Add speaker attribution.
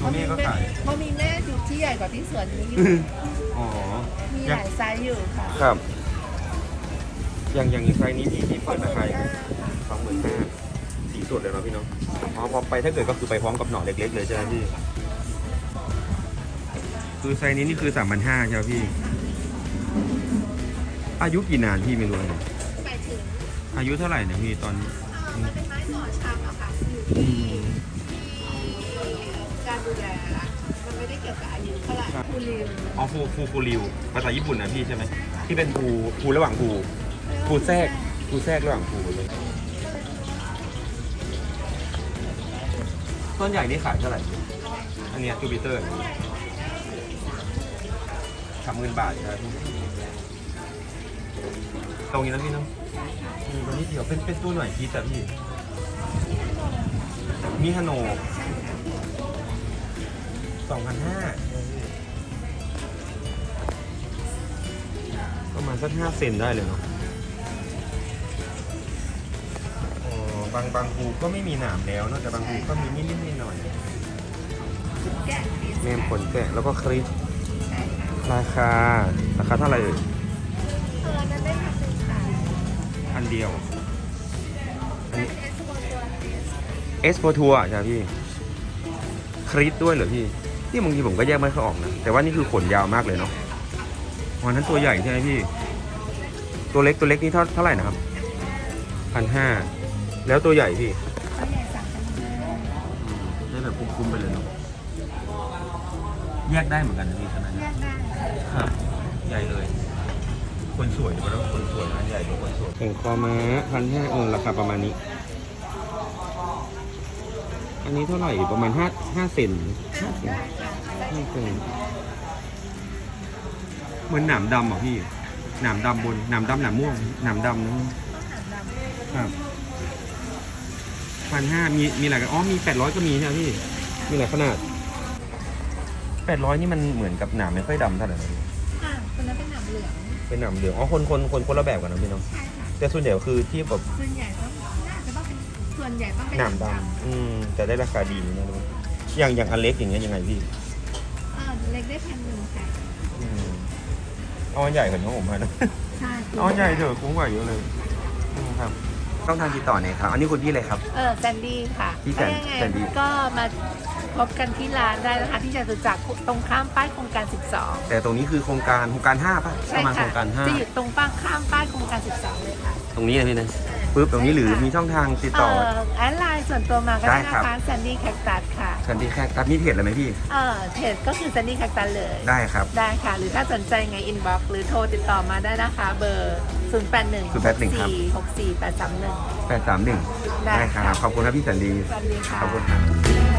Speaker 1: แม่ก็ขาย
Speaker 2: เพราะมีแม่ที่ใหญ่กว่าที่สวนนี้อยู่
Speaker 1: อ๋อ
Speaker 2: มีหลายไซส์อยู่ค่ะ
Speaker 1: ครับ อย่างไซส์นี้ที่เปิดราคา25,000สีสดเลยเนาะพี่เนาะอ๋อพอไปถ้าเกิดก็คือไปพร้อมกับหน่อเล็กๆเลยใช่ไหมพี่คือไซส์นี้นี่คือ3,500ใช่ไหมพี่อายุกี่นานพี่ไม่รู้เลย
Speaker 2: ไปถึง
Speaker 1: อายุเท่าไหร่เนี่ยพี่ตอน
Speaker 2: มันเป็นไม้หน่อชำอะค่ะอยู่ที่การดูแลมันไม่ได้เกี่ยวกับอายุเท่าไหร่คูริว
Speaker 1: อ๋อฟูริวภาษาญี่ปุ่นนะพี่ใช่ไหมที่เป็นภูระหว่างภูแทรกระหว่างภูเลยต้นใหญ่นี่ขายเท่าไหร่อันเนี้ยจูปิเตอร์30,000 บาทครับพี่ตรงนี้นะพี่เนาะตรงนี้เดี๋ยวเป็นตัวหน่อยพีแต่พี่มีฮาโน2,500ประมาณสัก5 เซนได้เลยเนาะอ๋อบางภูก็ไม่มีหนามแล้วเนาะแต่บางภูก็มีนิดๆหน่อย
Speaker 2: แกะ
Speaker 1: ๆเมมผลแกะแล้วก็คลิปราคาเท่าไหร่เอ่ย
Speaker 2: นั้นได้พันหนึ่งค่ะ
Speaker 1: อันเดียว
Speaker 2: เป็นเอสโบตัว
Speaker 1: เอสโปทัวร์ใช่ไหมพี่คลิปด้วยเหรอพี่นี่บางทีผมก็แยกไม่ค่อยออกนะแต่ว่านี่คือขนยาวมากเลยเนาะวันนั้นตัวใหญ่ใช่ไหมพี่ตัวเล็กนี่เท่าไหร่นะครับ1,500แล้วตัวใหญ่พี่
Speaker 2: ตัวใหญ่3,500
Speaker 1: ได้แบบคุ้มๆไปเลยเนาะแยกได้เหมือนกันนะพี่ขนาด
Speaker 2: แย
Speaker 1: นี้
Speaker 2: กได้
Speaker 1: ครับใหญ่เลย คนสวยดีกว่าคนสวยอันใหญ่กว่าคนสวยแข่งคอม้า1,500ราคาประมาณนี้ อันนี้เท่าไหร่ประมาณ5 เซน5 เซน5 เซนเหมือนหนามดำอ่ะพี่หนามดำบนหนามดำหนามม่วงหนามดำนะครับ1,500มีหลายกันอ๋อมี800ก็มีใช่ไหมพี่มีหลายขนาด800นี่มันเหมือนกับหนามไม่ค่อยดำเท่าไหร่นะพี่
Speaker 2: คนนั้นเป็นหนามเหลือง
Speaker 1: เป็นหนามเหลืองอ๋อคนละแบบกันนะพี่เนาะ
Speaker 2: ใช่ค่ะ
Speaker 1: แต่ส่วนใหญ่ก็คือที่แบบ
Speaker 2: ส่วนใหญ่ต้องน่าจะต้องเป็นส่วนใหญ่ต้องเป็น
Speaker 1: หนามดำแต่ได้ราคาดีนะทุกคนอย่างอันเล็กอย่างเงี้ยยังไงพี่
Speaker 2: เล็กได้1,100ค่ะ
Speaker 1: เอาอันใหญ่กว่าน้องผมนะ
Speaker 2: ใช่
Speaker 1: เอาอันใหญ่เถอะคุ้มกว่าเยอะเลยครับต้องทางติดต่อไหนครับอันนี้คุณพี่เลยครับ
Speaker 2: แซนดี้ค่ะ
Speaker 1: พี่แซนดี้
Speaker 2: ก็มาพบกันที่ร้านได้นะคะที่จตุจักรตรงข้ามป้ายโครงการ 12
Speaker 1: แต่ตรงนี้คือโครงการ5ป่ะ
Speaker 2: ใช่
Speaker 1: ประมาณโค
Speaker 2: ค่ะ
Speaker 1: รงการ
Speaker 2: จะอยู่ตรงป้ายข้ามป้ายโครงการ 12 เลยค่ะ
Speaker 1: 5ตรงนี้นะพี่นะปึ๊บตรงนี้หรือมีช่องทางติดต่อ
Speaker 2: แอดไลน์ส่วนตัวมาก็ได้
Speaker 1: ได้
Speaker 2: นะครับ คะแซนดี้แคคตัสค่ะ
Speaker 1: ชันดีแค่ตัดมีเพจอะไรไหมพี่
Speaker 2: เพจก็คือแซนดี้แคคตัสเลย
Speaker 1: ได้ครับ
Speaker 2: ได้ค่ะ หรือถ้าสนใจไงอินบ็อกซ์หรือโทรติดต่อมาได้นะคะเบอร์ 081
Speaker 1: ครับ
Speaker 2: 64 831
Speaker 1: 831
Speaker 2: ได้
Speaker 1: ได้ครับขอบคุณครับพี่สันดี
Speaker 2: สวัสดีค่ะ
Speaker 1: ขอบคุณครับ